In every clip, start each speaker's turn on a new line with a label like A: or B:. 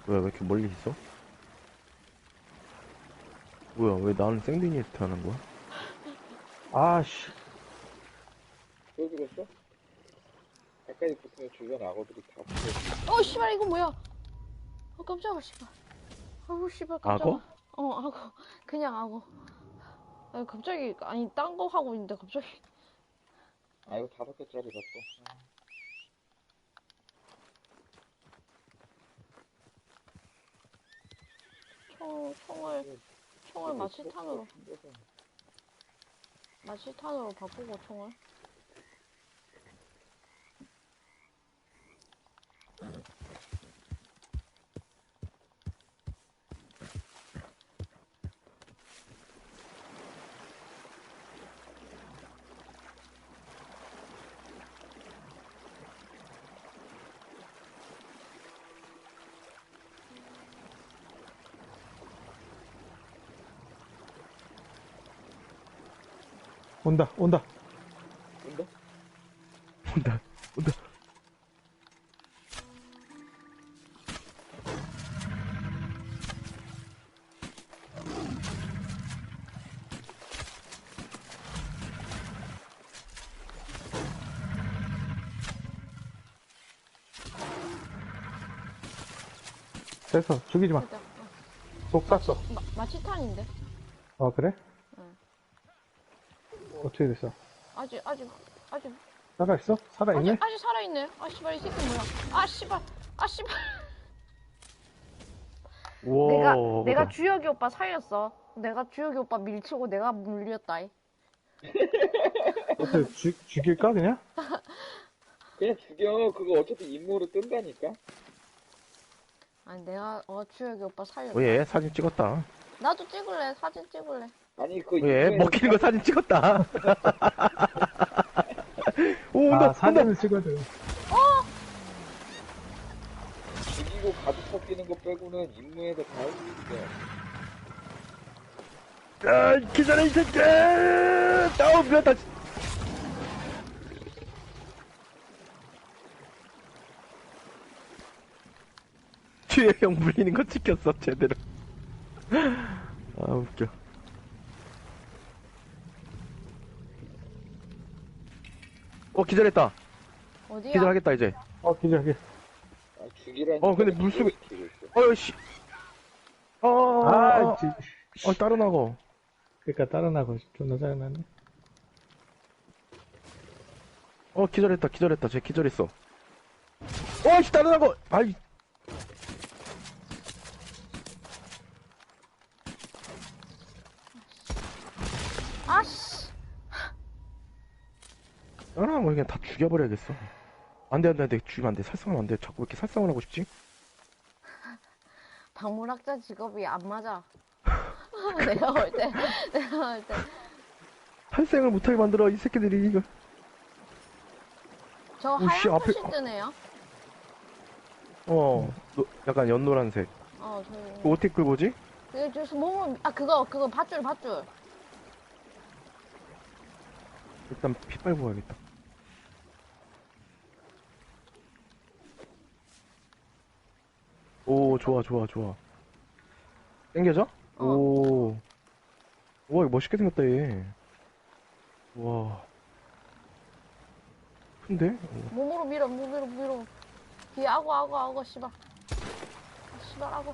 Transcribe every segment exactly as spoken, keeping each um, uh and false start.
A: 뭐야, 왜 이렇게 멀리 있어? 뭐야, 왜 나는 생드니트 하는 거야?
B: 아씨.
C: 또 죽었어? 가까이 붙으면 주변 악어들이 다 붙어.
D: 어, 씨발, 이거 뭐야? 어, 깜짝아, 씨발. 아우, 씨발, 깜짝아.
A: 악어?
D: 어, 악어. 그냥 악어. 아, 갑자기, 아니, 딴 거 하고 있는데, 갑자기.
C: 아, 이거 다섯 개짜리다 또.
D: 총, 총을, 총을 마취탄으로, 마취탄으로 바꾸고, 총을.
B: 온다, 온다.
C: 온다?
A: 온다, 온다.
B: 됐어, 죽이지 마.
D: 일단, 어.
B: 속 쐈어.
D: 마, 마취탄인데?
B: 어, 그래?
D: 응.
B: 어떻게 됐어?
D: 아직, 아직, 아직,
B: 살아있어? 살아있네?
D: 아직, 아직 살아있네. 아, 씨발, 이 새끼 뭐야. 아, 씨발, 아, 씨발.
A: 우와.
D: 내가,
A: 뭐다.
D: 내가 주혁이 오빠 살렸어. 내가 주혁이 오빠 밀치고 내가 물렸다. 이.
B: 어떻게 죽, 죽일까, 그냥?
C: 그냥 죽여. 그거 어차피 임무로 뜬다니까?
D: 아니, 내가, 어, 주혁이 오빠 살렸다.
A: 어, 얘 사진 찍었다.
D: 나도 찍을래, 사진 찍을래.
C: 아니, 그
A: 얘
C: 임무에서
A: 먹히는 거 사진 찍었다. 오, 온다,
B: 아,
A: 온다.
B: 사진을 찍어줘.
C: 죽이고 가죽 벗기는 거 빼고는 임무에서 다 할 수 있어.
A: 아, 기다려, 이 새끼! 아우, 미안다. 뒤에 형 물리는 거 찍혔어, 제대로. 아, 웃겨. 어, 기절했다.
D: 어디야?
A: 기절하겠다, 이제.
B: 어, 기절하게.
C: 아, 죽이라니.
A: 어, 근데 물속에-
C: 죽이고 있어.
A: 어이, 씨. 어, 어,
B: 아,
A: 어,
B: 지,
A: 어, 다른 악어.
B: 그니까 따라 나고 존나 짜증나네.
A: 어, 기절했다, 기절했다. 쟤 기절했어. 어, 씨, 다른 악어! 아이.
D: 아씨.
A: 다른 악어 그냥 다 죽여버려야겠어. 안 돼, 안 돼, 안 돼. 죽이면 안 돼. 살상하면 안 돼. 자꾸 왜 이렇게 살상을 하고 싶지?
D: 박물학자 직업이 안 맞아. 내가 볼 때, 내가 볼 때.
A: 살생을 못하게 만들어, 이 새끼들이, 이거.
D: 저
A: 오, 씨,
D: 하얀
A: 앞에-
D: 꽃이 뜨네요.
A: 어, 노, 약간 연노란색.
D: 어,
A: 그거
D: 저,
A: 어떻게 끌보지?
D: 그게 저서 몸을, 아, 그거, 그거 밧줄, 밧줄.
A: 일단 피 빨고 가야겠다. 오, 좋아, 좋아, 좋아. 땡겨져?
D: 어.
A: 오. 우와, 이거 멋있게 생겼다, 얘. 우와. 큰데? 오.
D: 몸으로 밀어, 몸으로 밀어. 뒤에 악어, 악어, 악어, 씨발. 아, 씨발, 악어.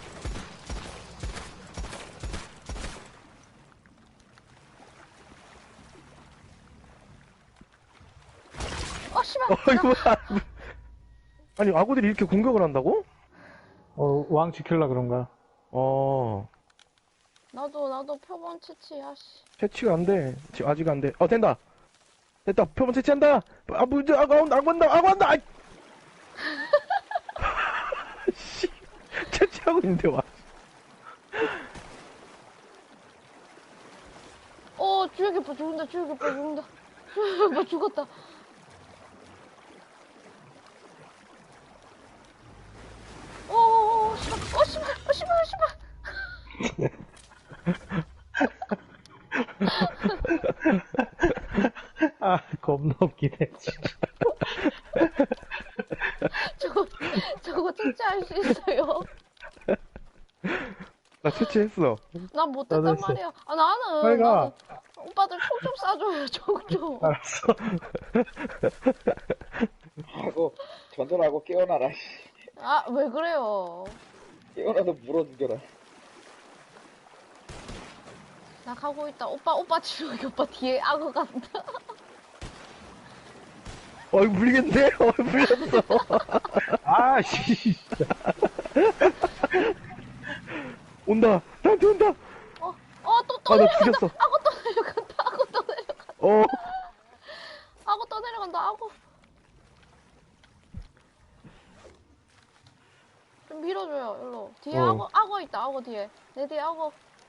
D: 어, 씨발.
A: 어, 이거 뭐야. 아니, 악어들이 이렇게 공격을 한다고?
B: 어, 왕 지킬라 그런가?
A: 어,
D: 나도, 나도 표본 채취야, 씨.
A: 채취가 안 돼. 지금 아직 안 돼. 어, 된다. 됐다. 표본 채취한다. 아, 뭐, 이제 악어 온다, 악어 온다, 악어 온다! 아이. 씨. 채취하고 있는데, 와.
D: 어, 주혁이 오빠 죽는다, 주혁이 오빠 죽는다. 주혁이 오빠 죽었다. 오, 오, 오, 씨발, 어, 씨발, 어, 씨발, 어, 씨발.
B: 아, 겁나 웃기네.
D: 저거, 저거 채취할 수 있어요?
A: 나 채취했어.
D: 난 못했단
B: 나도 했어.
D: 말이야. 아, 나는.
B: 빨리 가.
D: 나는 오빠들 총 좀 쏴줘요, 총 좀.
B: 알았어.
C: 하고 전설하고 깨어나라. 씨.
D: 아, 왜 그래요?
C: 깨어나서 물어 죽여라.
D: 나 가고 있다. 오빠, 오빠 지금 오빠 뒤에 악어 간다.
A: 어, 이거 물리겠네? 어, 물렸어.
B: 아, 씨.
A: 온다. 나한테 온다.
D: 어, 어, 또, 또
A: 아, 나
D: 내려간다.
A: 죽였어.
D: 악어 또 내려간다. 악어 또 내려간다.
A: 어.
D: 악어 또 내려간다. 악어. 좀 밀어줘요, 일로. 뒤에
A: 어.
D: 악어, 악어 있다. 악어 뒤에. 내 뒤에 악어.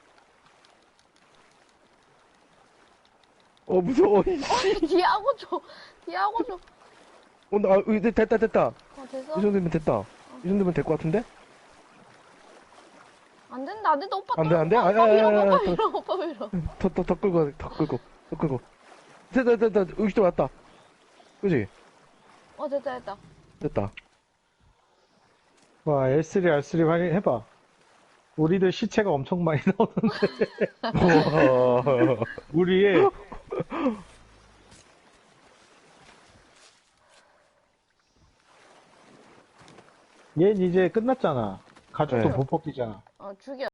A: 어, 무서워. 이씨.
D: 뒤에 악어 줘. 뒤에 악어 줘.
A: 온다. 아, 이제 됐다, 됐다.
D: 어, 됐어?
A: 이 정도면 됐다. 이 정도면 될 것 같은데?
D: 안 된다, 안 된다. 오빠
A: 안
D: 또-
A: 돼, 안 돼?
D: 오빠,
A: 아,
D: 오빠
A: 아,
D: 밀어,
A: 아, 아,
D: 오빠
A: 아,
D: 밀어, 오빠 밀어.
A: 더, 더, 더 끌고, 더 끌고, 더 끌고. 됐다, 됐다, 됐다. 여기 또 왔다. 그지?
D: 어, 됐다, 됐다.
A: 됐다.
B: 와, 엘 쓰리, 알 쓰리 확인해봐. 우리들 시체가 엄청 많이 나오는데.
A: 우와.
B: 우리의 얜 이제 끝났잖아. 가죽도
A: 네.
B: 못 벗기잖아.
D: 어, 죽여.